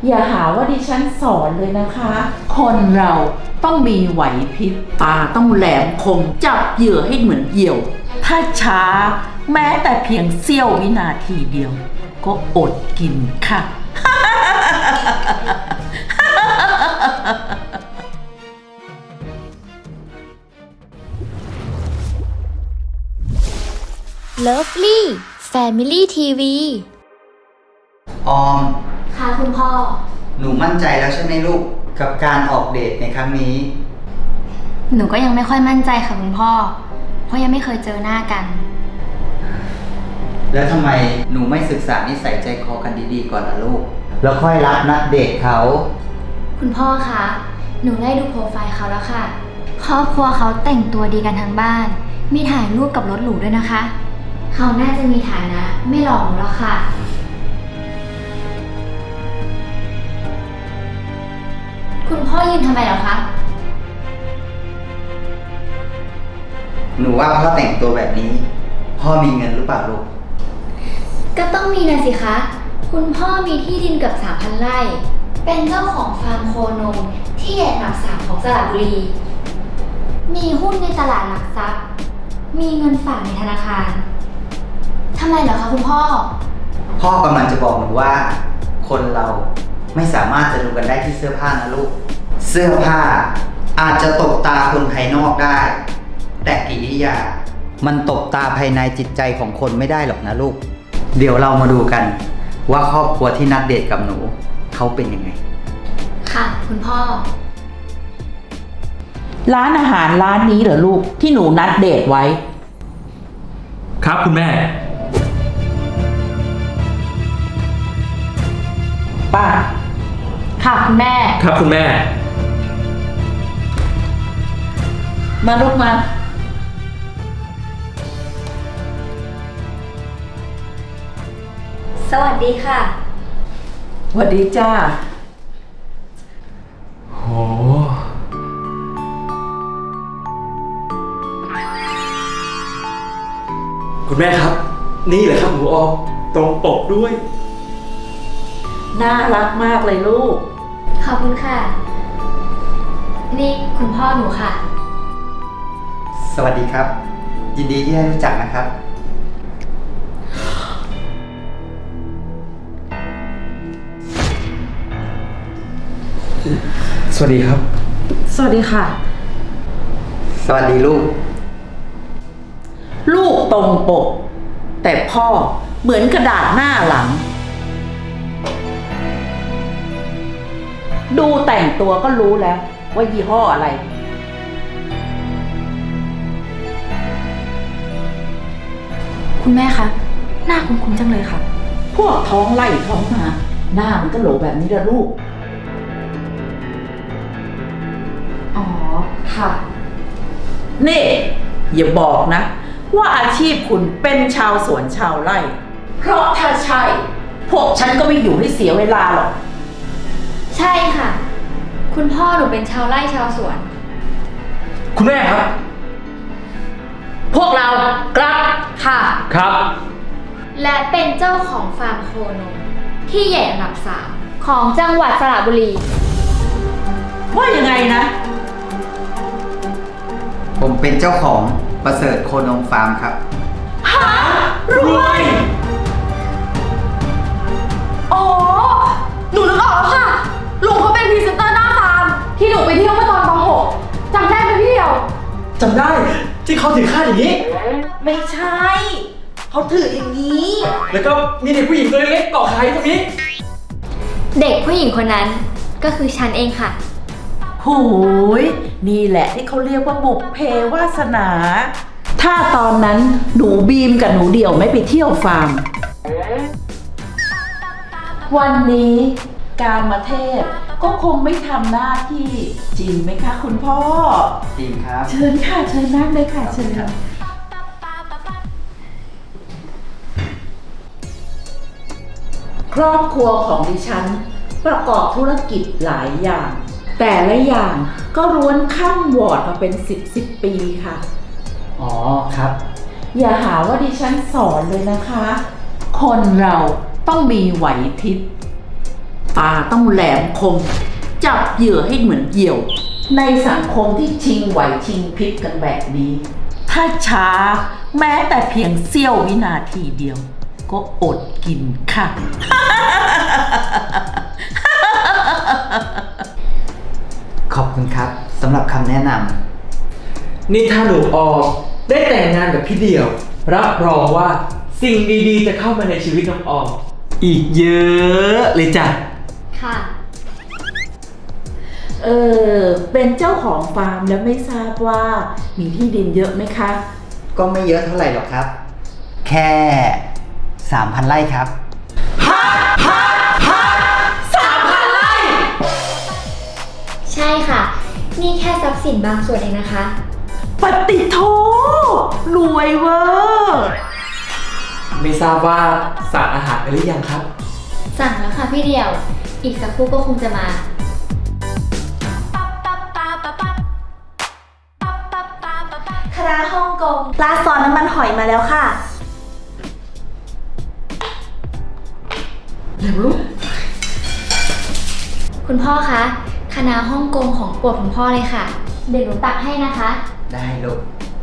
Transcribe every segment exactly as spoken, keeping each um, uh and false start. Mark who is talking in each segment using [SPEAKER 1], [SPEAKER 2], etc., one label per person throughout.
[SPEAKER 1] อย่าหาว่าดิฉันสอนเลยนะคะ คนเราต้องมีไหวพริบตาต้องแหลมคมจับเหยื่อให้เหมือนเหยี่ยว ถ้าช้าแม้แต่เพียงเสี้ยววินาทีเดียว ก็อดกินค่ะ
[SPEAKER 2] Lovely Family ที วี
[SPEAKER 3] ออม
[SPEAKER 2] ค่ะคุณพ่อ
[SPEAKER 3] หนูมั่นใจแล้วใช่ไหมลูกกับการออกเดทในครั้งนี้
[SPEAKER 2] หนูก็ยังไม่ค่อยมั่นใจค่ะคุณพ่อ เพราะยังไม่เคยเจอหน้ากัน
[SPEAKER 3] แล้วทำไมหนูไม่ศึกษานิสัยใจคอกันดีๆก่อนล่ะลูก แล้วค่อยรับนัดเดทเขา
[SPEAKER 2] คุณพ่อคะ หนูได้ดูโปรไฟล์เขาแล้วค่ะ ครอบครัวเขาแต่งตัวดีกันทั้งบ้าน มีถ่ายรูปกับรถหรูด้วยนะคะ เขาน่าจะมีฐานะไม่หลอกหนูแล้วค่ะ คุณพ่อยืนทำไมเหรอคะ
[SPEAKER 3] หนูว่าพ่อแต่งตัวแบบนี้ พ่อมีเงินหรือเปล่าลูก
[SPEAKER 2] ก็ต้องมีนะสิคะ คุณพ่อมีที่ดินเกับสามพันไร่ เป็นเจ้าของฟาร์มโคนมที่ใหญ่อันดับสามของสระบุรี มีหุ้นในตลาดหลักทรัพย์ มีเงินฝากในธนาคาร ทำไมเหรอคะคุณพ่อ
[SPEAKER 3] พ่อกำลังจะบอกหนูว่า คนเราไม่สามารถจะดูกันได้ที่เสื้อผ้านะลูก เสื้อผ้าอาจจะตบตาคนภายนอกได้ แต่กิริยา มันตบตาภายในจิตใจของคนไม่ได้หรอกนะลูก เดี๋ยวเรามาดูกัน ว่าครอบครัวที่นัดเดทกับหนูเขาเป็นยังไง
[SPEAKER 2] ค่ะคุณพ่อ
[SPEAKER 1] ร้านอาหารร้านนี้เหรอลูกที่หนูนัดเดทไว้
[SPEAKER 4] ครับคุณแม่
[SPEAKER 1] ป้า
[SPEAKER 2] ค่ะคุณแม่
[SPEAKER 4] ครับคุณแม่
[SPEAKER 1] มาลูกมา
[SPEAKER 2] สวัสดีค่ะ
[SPEAKER 1] สวัสดีจ้า
[SPEAKER 4] โห คุณแม่ครับ นี่แหละครับหนูออมตรงปกด้วย
[SPEAKER 1] น่ารักมากเลยลูก
[SPEAKER 2] ขอบคุณค่ะ นี่คุณพ่อหนูค่ะ
[SPEAKER 3] สวัสดีครับ ยินดีที่ได้รู้จักนะครับ
[SPEAKER 4] สวัสดีครับ
[SPEAKER 1] สวัสดีค่ะ
[SPEAKER 3] สวัสดีลูก
[SPEAKER 1] ลูกตรงปก แต่พ่อเหมือนกระดาษหน้าหลัง ดูแต่งตัวก็รู้แล้วว่ายี่ห้ออะไร
[SPEAKER 2] คุณแม่คะ หน้าคุ้นๆจังเลยค่ะ
[SPEAKER 1] พวกท้องไล่ท้องมา หน้ามันก็โหลแบบนี้ละลูก
[SPEAKER 2] อ๋อ ค่ะ
[SPEAKER 1] นี่ อย่าบอกนะ ว่าอาชีพคุณเป็นชาวสวนชาวไร่ เพราะถ้าใช่ พวกฉันก็ไม่อยู่ให้เสียเวลาหรอก
[SPEAKER 2] ใช่ค่ะ คุณพ่อหนูเป็นชาวไร่ชาวสวน
[SPEAKER 4] คุณแม่ครับ
[SPEAKER 1] พวกเรากลับ
[SPEAKER 2] ค่ะ
[SPEAKER 4] ครับ
[SPEAKER 2] และเป็นเจ้าของฟาร์มโคนมที่ใหญ่อันดับสามของจังหวัดสระบุรี
[SPEAKER 1] ว่ายังไงนะ
[SPEAKER 3] ผมเป็นเจ้าของประเสริฐโคนมฟาร์มครับ
[SPEAKER 1] หารวย
[SPEAKER 5] อ๋อ หนูนึกออกแล้วค่ะ ลุงเขาเป็นพรีเซนเตอร์หน้าฟาร์มที่หนูไปเที่ยวเมื่อตอนป .หก จำได้ไหมพี่เดียว
[SPEAKER 4] จำได้ที่เขาถือค่าอย่างนี้
[SPEAKER 1] ไม่ใช่ เขาถืออย่างนี้
[SPEAKER 4] แล้วก็มีเด็กผู้หญิงตัวเล็กๆเกาะขาอยู่ตรงนี้
[SPEAKER 2] เด็กผู้หญิงคนนั้นก็คือฉันเองค่ะ
[SPEAKER 1] โหยนี่แหละที่เขาเรียกว่าบุพเพวาสนา ถ้าตอนนั้นหนูบีมกับหนูเดี่ยวไม่ไปเที่ยวฟาร์ม วันนี้การมาเทพก็คงไม่ทำหน้าที่จริงไหมคะคุณพ่อ
[SPEAKER 3] จริงครับ
[SPEAKER 1] เชิญค่ะ เชิญนั่งเลยค่ะเชิญค่ะครอบครัวของดิฉันประกอบธุรกิจหลายอย่าง แต่ละอย่างก็ล้วนข้ามวอร์ดมาเป็นสิบสิบปีค่ะ
[SPEAKER 3] อ๋อครับ
[SPEAKER 1] อย่าหาว่าดิฉันสอนเลยนะคะ คนเราต้องมีไหวพริบตาต้องแหลมคม จับเหยื่อให้เหมือนเหยี่ยว ในสังคมที่ชิงไหวชิงพริบกันแบบนี้ ถ้าช้าแม้แต่เพียงเสี้ยววินาทีเดียว ก็อดกินค่ะ
[SPEAKER 3] ขอบคุณครับสำหรับคำแนะน
[SPEAKER 4] นี่ถ้าหนูออมได้แต่งงานกับพี่เดี่ยว รับรองว่าสิ่งดีๆจะเข้ามาในชีวิตน้องออม อีกเยอะเลยจ้ะ
[SPEAKER 2] ค่ะ
[SPEAKER 1] เออ เป็นเจ้าของฟาร์มแล้วไม่ทราบว่ามีที่ดินเยอะไหมคะ
[SPEAKER 3] ำก็ไม่เยอะเท่าไหร่หรอกครับ แค่สามพันไร่ครับ
[SPEAKER 2] ใช่ค่ะ นี่แค่ทรัพย์สินบางส่วนเองนะคะ
[SPEAKER 1] ปฏิโทรวยเวอร์
[SPEAKER 4] ไม่ทราบว่าสั่งอาหารไปหรือยังครับ
[SPEAKER 2] สั่งแล้วค่ะพี่เดียว อีกสักครู่ก็คงจะมา
[SPEAKER 5] คณะฮ่องกงราดซอสน้ำมันหอยมาแล้วค่ะ
[SPEAKER 1] เร็วลูก
[SPEAKER 2] คุณพ่อคะ คณะฮ่องกงของโปรดคุณพ่อเลยค่ะ เดี๋ยวหนูตักให้นะคะ
[SPEAKER 3] ได้ลูก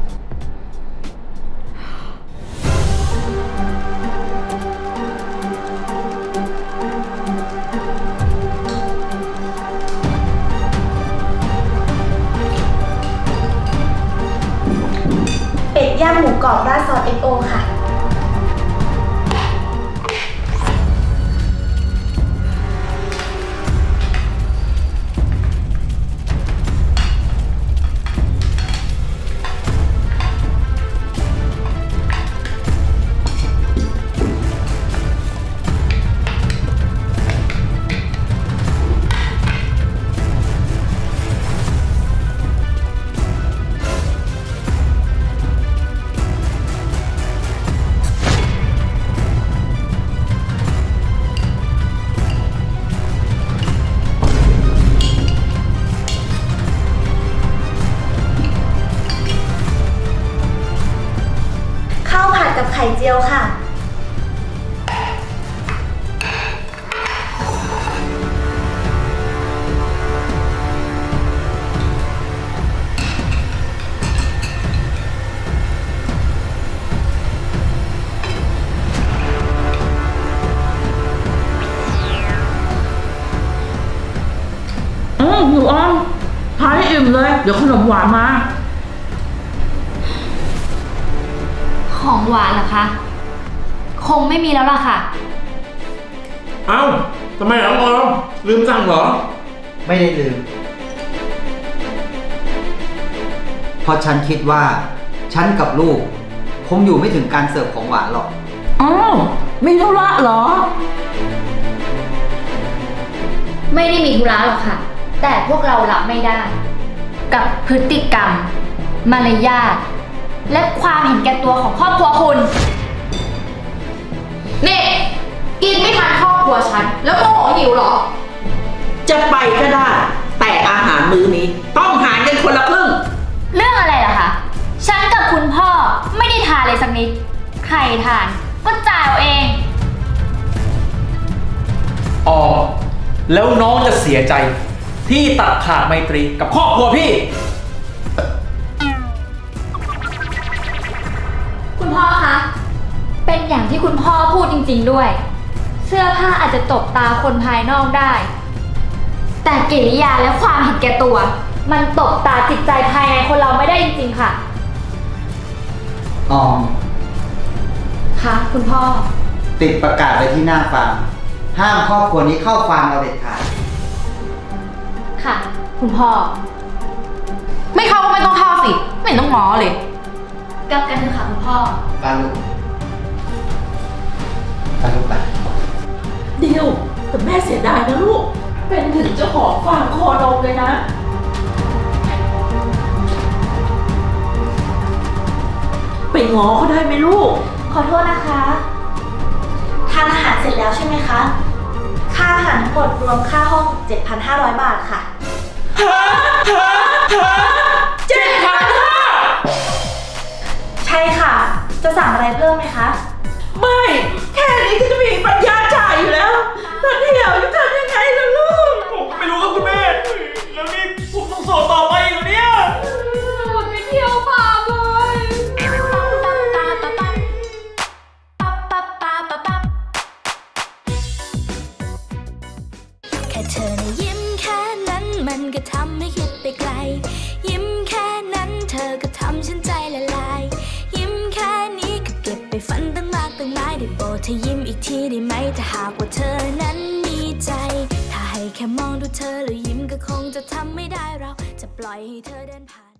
[SPEAKER 5] เป็ดย่างหมูกรอบราดซอสเอ็กโอค่ะ ข้าวผัดกับไข่เจียวค่ะ
[SPEAKER 1] เออหนูอ้อมทานให้อิ่มเลย เดี๋ยวขนมหวานมา
[SPEAKER 2] ของหวานเหรอคะ คงไม่มีแล้วล่ะค่ะ
[SPEAKER 4] เอ้าทำไมน้องออมลืมสั่งเหรอ
[SPEAKER 3] ไม่ได้ลืม เพราะฉันคิดว่า ฉันกับลูก คงอยู่ไม่ถึงการเสิร์ฟของหวานหรอก
[SPEAKER 1] อ้าวมีธุระเหรอ
[SPEAKER 2] ไม่ได้มีธุระหรอกค่ะ แต่พวกเรารับไม่ได้ กับพฤติกรรม มารยาท และความเห็นแก่ตัวของครอบครัวคุณ
[SPEAKER 5] นี่ กินไม่ทันครอบครัวฉัน แล้วโมโหหิวเหรอ
[SPEAKER 1] จะไปก็ได้ แต่อาหารมื้อนี้ ต้องหารกันคนละครึ่ง
[SPEAKER 2] เรื่องอะไรล่ะคะ ฉันกับคุณพ่อไม่ได้ทานเลยสักนิด ใครทานก็จ่ายเอาเอง
[SPEAKER 4] ออมแล้วน้องจะเสียใจ ที่ตัดขาดไมตรีกับครอบครัวพี่
[SPEAKER 2] คุณพ่อคะ เป็นอย่างที่คุณพ่อพูดจริงๆด้วย เสื้อผ้าอาจจะตบตาคนภายนอกได้ แต่กิริยาและความเห็นแก่ตัว มันตบตาจิตใจภายในคนเราไม่ได้จริงๆค่ะ
[SPEAKER 3] ออม
[SPEAKER 2] คะคุณพ่อ
[SPEAKER 3] ติดประกาศไว้ที่หน้าฟาร์ม ห้ามครอบครัวนี้เข้าฟาร์มเราเด็ดขาด
[SPEAKER 2] ค่ะ คุณพ่อ
[SPEAKER 5] ไม่เข้าก็ไม่ต้องเข้าสิ ไม่เห็นต้องง้อเลย
[SPEAKER 2] กลับกันเถอะค่ะคุณพ่อ
[SPEAKER 3] ปลาลูกปลาลูกไป
[SPEAKER 1] เดียวแต่แม่เสียดายนะลูก เป็นถึงเจ้าของฟาร์มโคนมเลยนะ ไปง้อเขาได้ไหมลูก
[SPEAKER 5] ขอโทษนะคะ ทานอาหารเสร็จแล้วใช่ไหมคะ ค่าอาหารทั้งหมดรวมค่าห้อง เจ็ดพันห้าร้อย บาทค่ะ
[SPEAKER 1] เจ็ดพันห้า
[SPEAKER 5] ใช่ค่ะ จะสั่งอะไรเพิ่มไหมคะ
[SPEAKER 1] ไม่ แค่นี้ก็จะมีปัญญาจ่ายอยู่แล้วแต่เดียวจะทำยังไง
[SPEAKER 6] เธอยิ้มอีกทีได้ไหมถ้าหากว่าเธอนั้นมีใจ ถ้าให้แค่มองดูเธอแล้วยิ้มก็คงจะทำไม่ได้เราจะปล่อยให้เธอเดินผ่าน